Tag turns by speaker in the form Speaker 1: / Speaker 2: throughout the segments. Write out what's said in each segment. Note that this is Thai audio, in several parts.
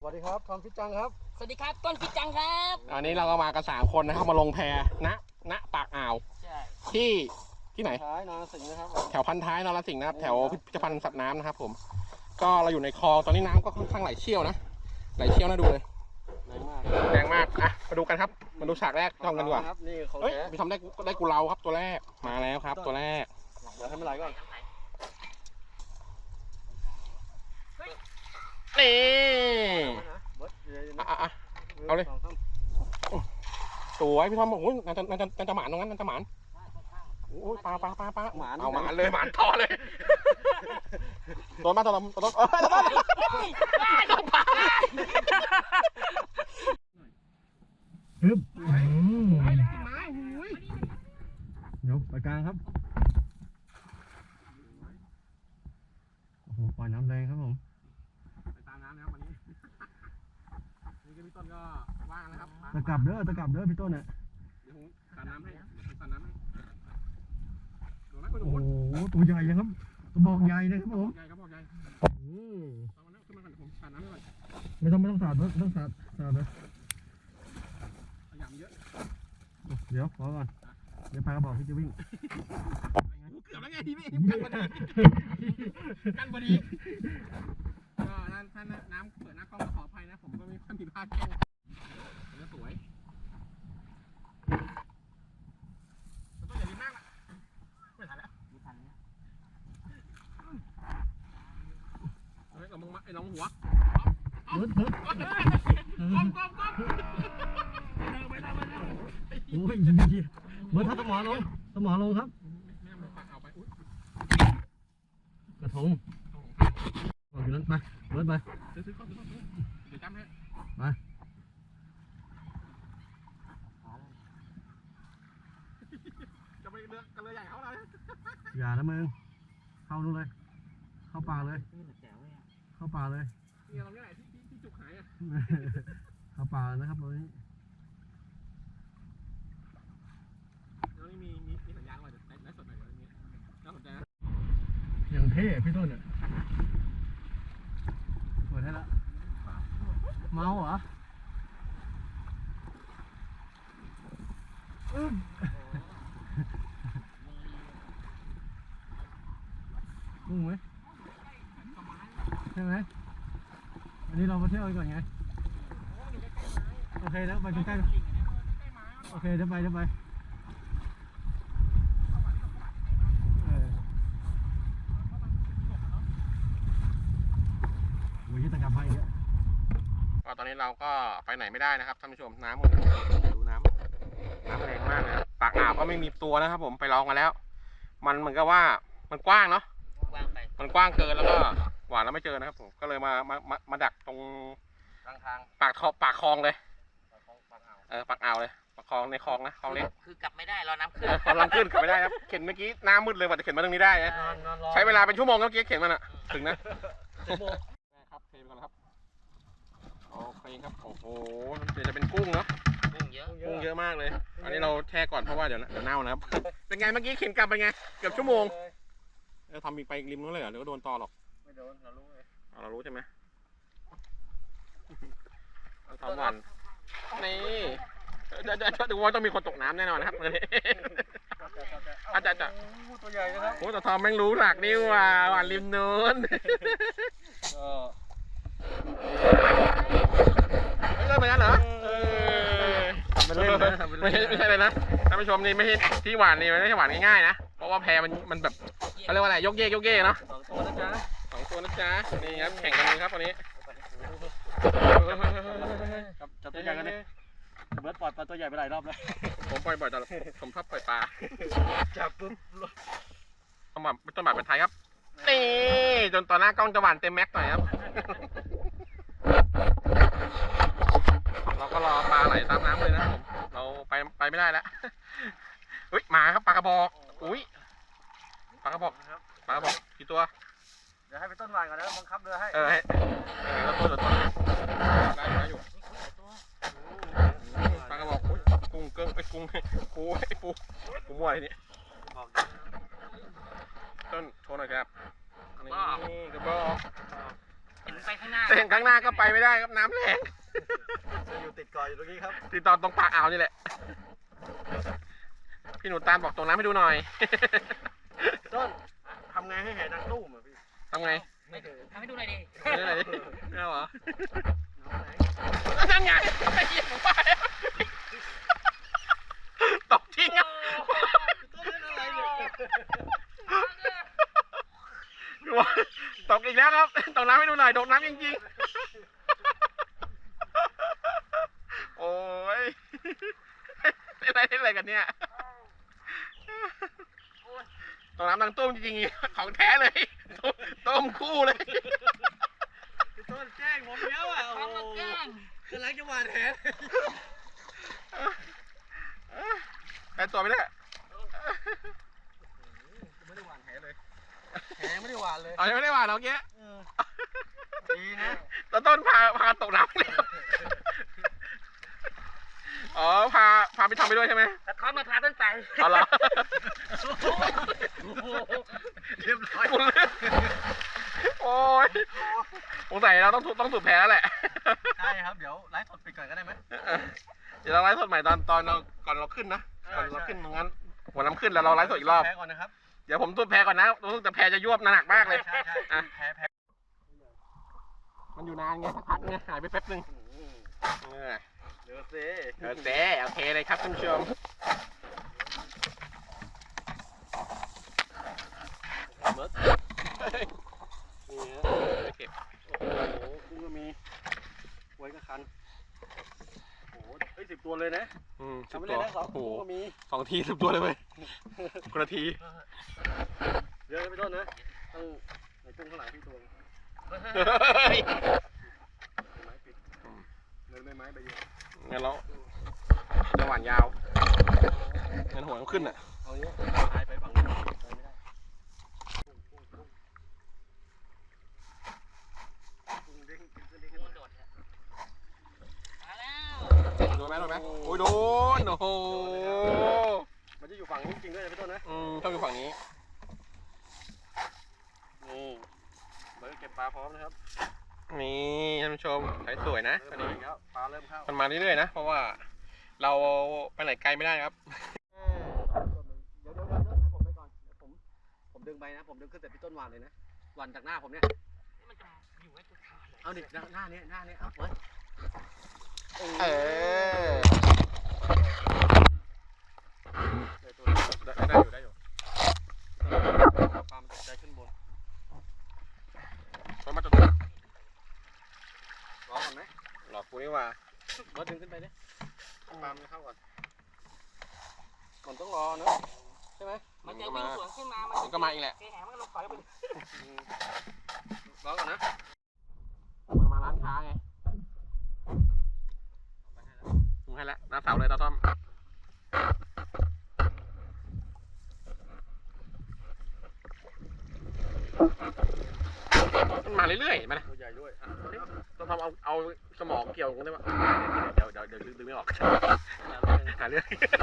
Speaker 1: วัสดีครับทอมฟิตจังครับ
Speaker 2: สวัสดีครับต้นฟิตจังครับ
Speaker 3: อันนี้เราก็มากัน3 คนนะครับมาลงแพณปากอ่าวที่ไหน
Speaker 1: ท้ายนรสิงห์นะครับ
Speaker 3: แถวพันท้ายนรสิงห์นะครับแถวพิพิธภัณฑ์สัตว์น้ำนะครับผมก็เราอยู่ในคลองตอนนี้น้ำก็ค่อนข้างไหลเชี่ยวนะไหลเชี่ยวน่าดูเลยแรงมากอ่ะมาดูกันครับมาดูฉากแรกทำกันดีกว่าเฮ้ยพี่ทำได้กูเราครับตัวแรกมาแล้วครับตัวแรก
Speaker 1: เดี๋ยวให้มันไหลก่อน
Speaker 3: นี่เอาเลยสวยพี่ทอมบอกโอ้ยน่าจะหมานตรงนั้นน่าจะหมานโอ้ยปลาเอาหมานเลยหมานต่อเลยโดนมาตลอดโดนปลา
Speaker 1: ฮึบยกไปกลางครับโอ้โหปล่อยน้ำแรงครับผม
Speaker 3: ไปตามน้ำนะครับวันนี้นี่ก็พี่ต้นก็ว่างนะครับ
Speaker 1: ตะกลับเด้อพี่ต้นเนี่ย
Speaker 3: เดี๋ยวผมสาดน้ำให้สาดน้ำให้
Speaker 1: โอ้โหตัวใหญ่เลยครับตัวบอกใหญ่เลยครับผม
Speaker 3: ใหญ่ครับบอกใหญ่เอาแล้วขึ้นมาก่อนผมสาดน้ำให้ก่อน
Speaker 1: ไม่ต้องสาดไม่ต้องสาดเลย
Speaker 3: ขยำเยอะ
Speaker 1: เดี๋ยวขอก่อนเดี๋ยวพากระบอกพี่จะวิ่ง
Speaker 3: เกือบแล้วไงพี่กันพอดีก็ท่านน้ำเปิดหน้ากล้องขออภัยนะผมก็มีความผิดพลาดแค่นี้สวยต้องอย่ารีบมากละไม่ทันแล้วเฮ้ยเรามึงมาไอ้น้องหัวก้ม
Speaker 1: โอ้ยเมื่อถ้าสมอลงครับกระทงออกอยู่นั้นไปเบิร์ดไป
Speaker 3: เดี๋ยวจำให้
Speaker 1: ไป
Speaker 3: จะไปเรือกันเลยใหญ่เขาเลย
Speaker 1: อย่านะมึงเข้านู่นเลยเข้าป่าเลยเข้าป่าเลย
Speaker 3: นี่เราเนี่ยที่จุกหายอ่ะ
Speaker 1: เข้าป่านะครับตรงนี้
Speaker 3: แล้วนี่มีสัญญาณว่าจะไลฟ์สดหน่อยอย่างเงี้ยน่าสนใจนะ
Speaker 1: อย่างเท่พี่ต้นเนี่ยเปิดให้ละเมาเหรอกุ้งไหมใช่ไหมอันนี้เรามาเที่ยวกันก่อนไงโอเคแล้วไปใกล้ๆโอเคเดี๋ยวไปตะกับไปเยอะ
Speaker 3: ก็ตอนนี้เราก็ไปไหนไม่ได้นะครับท่านผู้ชมน้ำดูน้ำแรงมากเลยปากอ่าวก็ไม่มีตัวนะครับผมไปลองกันแล้วมันเหมือนกับว่ามันกว้างเนาะมันกว้างเกินแล้วก็หวานแล้วไม่เจอนะครับผมก็เลยมาดักตรงทางปากคลองเลยปากอ่าวเลยปากคลองในคลองนะคลองเล็ก
Speaker 2: คือกลับไม่ได้รอน้ำขึ้น
Speaker 3: กำลังขึ้นกลับไม่ได้ครับเข็นเมื่อกี้น้ำมืดเลยกว่าจะเข็นมาตรงนี้ได้นะใช้เวลาเป็นชั่วโมงเมื่อกี้เข็นมันอะถึงนะครับเทไปก่อนครับโอเคครับโอ้โหเดี๋ยวจะเป็นกุ้งเนาะกุ้งเยอะมากเลยอันนี้เราแช่ก่อนเพราะว่าเดี๋ยวเน่านะครับเป็นไงเมื่อกี้เข็นกลับไปไงเกือบชั่วโมงทำอีกไปริมนู้นเลยเหรอหรือว่าโดนตอหรอก
Speaker 1: ไม่โดนเรารู้เลย
Speaker 3: เรารู้ใช่ไหมทำวันนี่ดูว่าต้องมีคนตกน้ำแน่นอนครับอาจารย์
Speaker 1: ตัวใหญ่นะครับ
Speaker 3: โอ้แต่ทอมแม่งรู้หลักนี่ว่าหวานริมนู้นไม่ใช่เหมือนกันเหรอไม่ใช่เลยนะท่านผู้ชมนี่ไม่ใช่ที่หวานนี่ไม่ใช่หวานง่ายๆนะเพราะว่าแพมันแบบเขาเรียกว่าอะไรยกเยกเนาะ2 ตัวนะจ๊ะนี่ครับแข่งกันเลยครับวันนี้
Speaker 1: จับตัวใหญ่กันดิเบิร์ดปล่อยปลาตัวใหญ่ไปหลายรอบแล้ว
Speaker 3: ผมปล่อยบ่อยแต่ผมชอบปล่อยปลา
Speaker 1: จับปุ๊บ
Speaker 3: ต้นแบบเป็นไทยครับนี่จนตอนหน้ากล้องจะหวานเต็มแม็กหน่อยครับเราก็รอปลาไหลตามน้ำเลยนะผมเราไปไม่ได้แล้วอุ้ยมาครับปลากระบอกอุ้ยปลากระบอกกี่ตัว
Speaker 1: เดี๋ยวให้ไปต้นวานก่อนนะบังคับเรือให้
Speaker 3: ให้เราต้นได้อยู่ปลากระบอกกุ้งเกิ้งกุ้งปูมั่วอะไรนี่ต้นโชว์หน่อยครับนี่กระบอก
Speaker 2: เห็นไปข้างางหน้า
Speaker 3: แต่เห็นข้างหน้าก็ไปไม่ได้ครับน้ำแรง
Speaker 1: อยู่ติดเกาะอยู่ตรงนี้ครับ
Speaker 3: ติดต่อตรงปากอ่าวนี่แหละ พี่หนูตาลบอกตรงน้ำให้ดูหน่อย
Speaker 1: ต้นทำไงให้แห่ดังตู้มอ่ะพี่
Speaker 3: ทำไง
Speaker 2: ไม่ทำให้ดูหน่อยดิ
Speaker 3: ไม่ได้ไม่เอาเหรอ
Speaker 1: น้องไหน
Speaker 3: นั่นไงไอ้เหี้ยผมไปตกจริงอ่ะ
Speaker 1: ต้นเล่นอะไรเนี่ย
Speaker 3: ตกอีกแล้วครับตกน้ำให้ดูหน่อยโดดน้ำจริงๆ โอ้ยเล่นอะไรกันเนี่ยตกน้ำดังตุ้มจริงๆของแท้เลยต้มคู่เลย
Speaker 1: พี่ต้นแกล้งผมเยอะอ่ะโอ้
Speaker 2: ทำมาแกล้ง
Speaker 1: กำลังจะหวานแห
Speaker 3: แต่ตัวไม่ได้
Speaker 1: ไม่ได้หวานแหเลยแหไม่ได้หวานเลย
Speaker 3: เอายังไม่ได้หวานเมื่อกี้
Speaker 1: ดีนะ
Speaker 3: ต้นพาตกน้ำเลยอ๋อพาไปทำไปด้วยใช่ไหม
Speaker 2: แต่เขามาพาต้นไป
Speaker 3: เอาเหรอ
Speaker 1: เรียบร้อย
Speaker 3: โอ้ยสงสัยเราต้องสูบแพ้แล้วแหละ
Speaker 1: ใช่ครับเดี๋ยวไลฟ์สดปิดก่อนก็ได้ไหม
Speaker 3: เดี๋ยวเราไลฟ์สดใหม่ตอนเราก่อนเราขึ้นนะก่อนเราขึ้นตรงนั้นหัวน้ำขึ้นแล้วเราไลฟ์สดอีกรอบ
Speaker 1: แพ้ก่อนนะครับ
Speaker 3: เดี๋ยวผมสูบแพ้ก่อนนะรู้สึกแต่แพ้จะยวบหนักมากเลย
Speaker 1: ใช่
Speaker 3: อ่ะ
Speaker 1: แพ้
Speaker 3: มันอยู่นานไงสักพักไงหายไปแป๊บนึง
Speaker 1: เดี๋ยวสิ
Speaker 3: โอเคเลยครับท่านผู้ชม
Speaker 1: เบิร์ด
Speaker 3: นี่ฮะเก็บ
Speaker 1: โอ้โหกุ้งก็มีไว้ก็คันโอ้โหเฮ้ย10 ตัวเลยนะ
Speaker 3: สิบ
Speaker 1: ทำไป
Speaker 3: ตั
Speaker 1: เล
Speaker 3: วย
Speaker 1: นะ2
Speaker 3: โอ้โห
Speaker 1: ตัวก็มี
Speaker 3: 2 ที10 ตัวเลยเว้ยคนละที
Speaker 1: เยอะไปต้นนะต้องในกุ้งข้างหลังพี่ตัว
Speaker 3: เฮ้ย
Speaker 1: ไม้ปิดเงินไม่ไม้ไปอยู่
Speaker 3: งั้นเราจะหวานยาวงั้นหัวมันขึ้นอ่ะ
Speaker 1: เอาเนี้ยพายไปฝั่งนู้นไปไม่ได้กุ้งเด้งกุ้งเด้งขึ้นมา
Speaker 2: โดดมาแล้ว
Speaker 3: โดนไหมโอ้ยโดนโอ้โห
Speaker 1: มันจะอยู่ฝั่งนู้นจริงด้วยนะพี่ต้นนะ
Speaker 3: ต้องอยู่ฝั่งนี้
Speaker 1: นี่เบิร์ดเก็บปลาพร้อมนะครับ
Speaker 3: นี่ท่านผู้ชมใช้สวยนะอัน
Speaker 1: เริ่ม
Speaker 3: นี้
Speaker 1: มาอีกแล้วปลาเริ่มเข้า
Speaker 3: มันมาเรื่อยๆนะ เพราะว่าเราไปไหนไกลไม่ได้ครับ
Speaker 1: เดี๋ยวให้ผมไปก่อนเดี๋ยวผมดึงไปนะผมดึงขึ้นแต่พี่ต้นหวานเลยนะหวานจากหน้าผมเนี่ย
Speaker 2: มันจะอยู่ไว้ตัวขาดเลย
Speaker 1: เอาดิหน้านี้เอาเบิร์ด
Speaker 3: เออได้อยู่
Speaker 1: ปลามันตกใจขึ้นบน
Speaker 3: เพราะมันจะ
Speaker 1: รอก่อนไหม
Speaker 3: หลอกกูนี่ว่า
Speaker 1: เบิร์ดดึงขึ้นไปดิปลามันเข้าก่อนมันต้องรอเนอะใช่ไหม
Speaker 2: มันจะวิ่งสวนขึ้นมา
Speaker 3: มันก็มาอีกแหละ
Speaker 2: เสียหายมันก็ลงปล่อยไปเลย
Speaker 1: รอก่อนนะ
Speaker 3: มันมาร้านค้าไงถึงให้แล้วหน้าเสาเลยตาต้อมมันมาเรื่อยๆมานะ
Speaker 1: ตัวใหญ่ด้วยอ่ะ
Speaker 3: ต้องทำเอาสมองเกี่ยวกันได้ปะเดี๋ยวดึงไม่ออกหาเรื่อง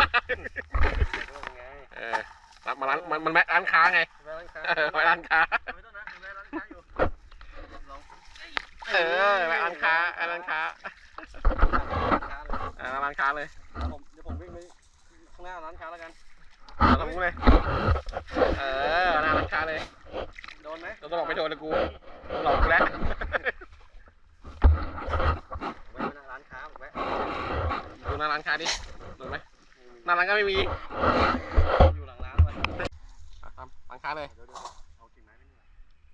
Speaker 3: มาร้านมันแม่ร้านค้าไง
Speaker 1: แม่ร้านค้า
Speaker 3: แม่ร้านค้า
Speaker 1: ไม่ต้องนะแม่ร้านค้าอยู่ลอง
Speaker 3: แม่ร้านค้าร้านค้า
Speaker 1: ร้านค้าเลย
Speaker 3: ร้านค้าเลย
Speaker 1: เดี๋ยวผมวิ่งไปข้างหน้าร้านค้าแล้วกัน
Speaker 3: ทำกูเลยหน้าร้านค้าเลย
Speaker 1: โดนไหม
Speaker 3: เราต้องบอกไม่โดนเลยกูหลอกกูแล้ว
Speaker 1: ไว้หน้าร้านค้าผมไว้
Speaker 3: ดูหน้าร้านค้าดิโดนไหมหน้าร้านก็ไม่มี
Speaker 1: อยู่หลังร้านไว้
Speaker 3: ทำร้านค้าเลย
Speaker 1: เดี๋ยวเอากิ่งไม้ไปนี่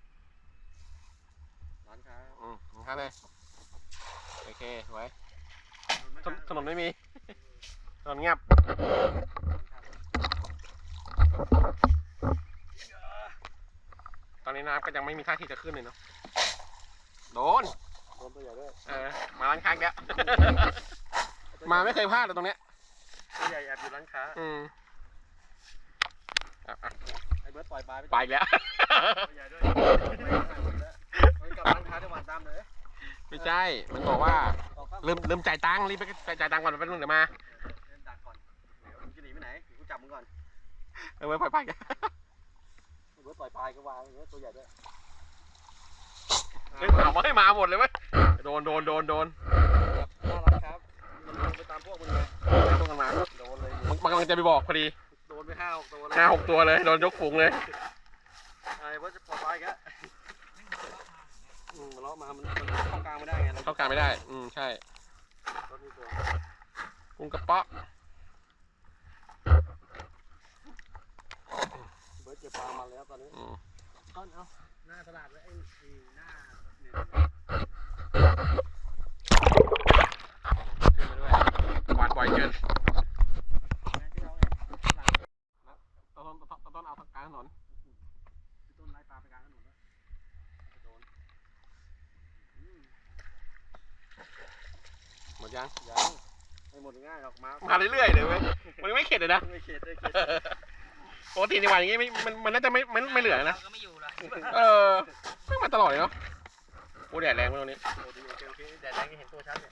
Speaker 1: ร้านค้า
Speaker 3: ร้านค้าเลยโอเคไว้
Speaker 1: โดนไหม
Speaker 3: ถนนไม่มีถนนเงียบตอนนี้น้ำก็ยังไม่มีท่าทีจะขึ้นเลยเนาะโดน
Speaker 1: โดนตัวใหญ่ด้วย
Speaker 3: มาร้านค้าแล้วมาไม่เคยพลาดเลยตรงเนี้ย
Speaker 1: ตัวใหญ่แอบอยู่ร้านค้าไอ้เบิร์ดปล่อยปลา
Speaker 3: ไปอีกแล้ว
Speaker 1: ตัวใหญ่ด้วยไว้กับร้านค้าจะหวานตามเลย
Speaker 3: ไม่ใช่มันบอกว่า
Speaker 1: ต่อครับ
Speaker 3: ลืมจ่ายตังค์รีบไปจ่ายตังค์ก่อนแป๊บนึงเดี๋ยวมา
Speaker 1: เดินดักก่อนเดี๋ยวมึงจะหนีไปไหนเดี๋ยวกูจับมึงก่อน
Speaker 3: ไว้ปล่อยไปกัน
Speaker 1: เบิร์ดปล่อยปลายก็วางเบิร์ดตัวใหญ่ด้วย
Speaker 3: เอามาให้มาหมดเลยเว้ยโดน
Speaker 1: น่ารักครับมันลงไปตามพวกมึงไง
Speaker 3: ต้องกันมา
Speaker 1: โดนเลย
Speaker 3: มันกำลังจะไปบอกพอดี
Speaker 1: โดนไป5-6 ตัวเลย
Speaker 3: 5-6 ตัวเลยโดนยกฝูงเลย
Speaker 1: ไอ้ว่าจะปลอดภัยกันมันเลาะมามันเข้ากลางไม่ได้ไง
Speaker 3: เข้ากลางไม่ได้ใช่
Speaker 1: รถมีตัว
Speaker 3: กุ้งกระเปาะ
Speaker 1: เบิร์ดเก็บปลามาแล้วตอนนี้
Speaker 2: ต้นเอา
Speaker 1: หน้าตลาดไว้ไอ้หน้าเนี่ย
Speaker 3: หวานบ่อยเกินต้นเอากลางถนน
Speaker 1: ต้นไล่ปลาไปกลางถนนแล้วโดน
Speaker 3: หมดยัง
Speaker 1: ยังไม่หมดง่ายหรอกมา
Speaker 3: มาเรื่อยๆเลยเว้ยมันไม่เข็ดเลยนะ
Speaker 1: ไม่เข็ดเลย
Speaker 3: ปกติในวันอย่างงี้มันน่าจะไม่เหลือนะ
Speaker 2: ก็ไม่อยู่ละ
Speaker 3: ไม่มาตลอดเลยเนาะโอ้แดดแรงมากตรงนี้
Speaker 1: โอเคแดดแรงเห็นตัวชัดเนี่ย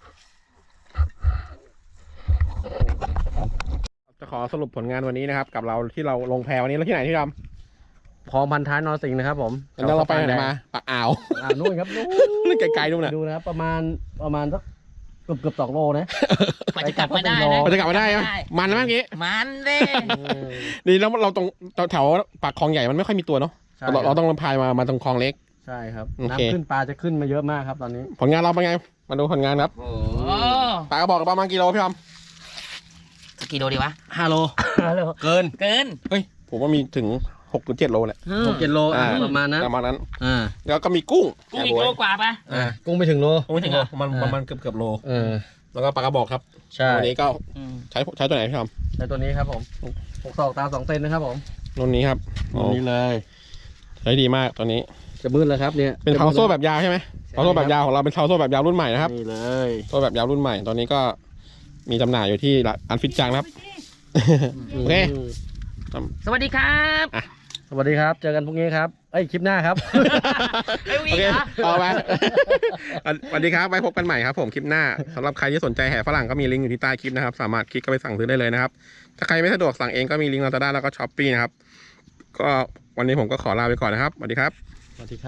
Speaker 3: จะขอสรุปผลงานวันนี้นะครับกับเราที่เราลงแพวันนี้แล้วที่ไหนที่ท
Speaker 1: คลองพันท้ายนรสิงห์นะครับผม
Speaker 3: ำแล้วเราไปไหนมาปากอ่าว
Speaker 1: นู่นครับนู่
Speaker 3: นู่นไกลๆนู่นน่ะ
Speaker 1: ดูนะครับประมาณสักเกือบ2 โลนะ
Speaker 2: กว่าจะกลับมาได้นะ
Speaker 3: เราจะกลับมาได้ไหมมันนะเมื่อกี้
Speaker 2: มันเด้
Speaker 3: ดีแล้วเราตรงแถวปากคลองใหญ่มันไม่ค่อยมีตัวเนาะเราต้องพายมาตรงคลองเล็ก
Speaker 1: ใช่ครับ
Speaker 3: โอเค
Speaker 1: น้ำขึ้นปลาจะขึ้นมาเยอะมากครับตอนนี้
Speaker 3: ผลงานเราเป็นไงมาดูผลงานครับ
Speaker 2: โอ้
Speaker 3: ปลากระบอกประมาณกิโลพี่ทอม
Speaker 2: สกี่โลดีวะ
Speaker 1: 5 โลเกิน
Speaker 2: เกิน
Speaker 3: เฮ้ยผมว่ามีถึง6-7 โลแหละ
Speaker 1: 6-7 โลประมาณนั้น
Speaker 3: ประมาณนั้น
Speaker 1: อ่า
Speaker 3: แล้วก็มีกุ้ง
Speaker 2: กูอีกโลกว่าปะ
Speaker 1: กุ้งไม่ถึงโล
Speaker 3: ไม่ถึงประมาณเกือบโล แล้วก็ปลากระบอกครับ
Speaker 1: ใช่
Speaker 3: วันนี้ก็ใช้ตัวไหนพี่ทอม
Speaker 1: ใช้ตัวนี้ครับผม6 ศอกตาม2 เซนนะครับผม
Speaker 3: รุ่นนี้ครับ
Speaker 1: ตัวนี้เลย
Speaker 3: ใช้ดีมากตัวนี้
Speaker 1: จะมืดแล้วครับเนี่ย
Speaker 3: เป็นเท้าโซ่แบบยาวใช่ไหมเท้าโซ่แบบยาวของเราเป็นเท้าโซ่แบบยาวรุ่นใหม่นะครับ
Speaker 1: นี่เลย
Speaker 3: โซ่แบบยาวรุ่นใหม่ตอนนี้ก็มีจำหน่ายอยู่ที่ร้านฟิตจังนะครับ โอเค
Speaker 2: สวัสดีครับ
Speaker 1: สวัสดีครับเจอกันพรุ่งนี้ครับคลิปหน้าครับ
Speaker 2: เอ้ย
Speaker 3: โอเคเอาไปสวัสดีครับไว้พบกันใหม่ครับผมคลิปหน้าสำหรับใครที่สนใจแห่ฝรั่งก็มีลิงก์อยู่ที่ใต้คลิปนะครับสามารถคลิกเข้าไปสั่งซื้อได้เลยนะครับถ้าใครไม่สะดวกสั่งเองก็มีลิงก์ Lazada แล้วก็ Shopee นะครับก็วันนี้ผมก็ขอลาไปก่อนนะครับสวัสดีครับ
Speaker 1: สวัสดีครับ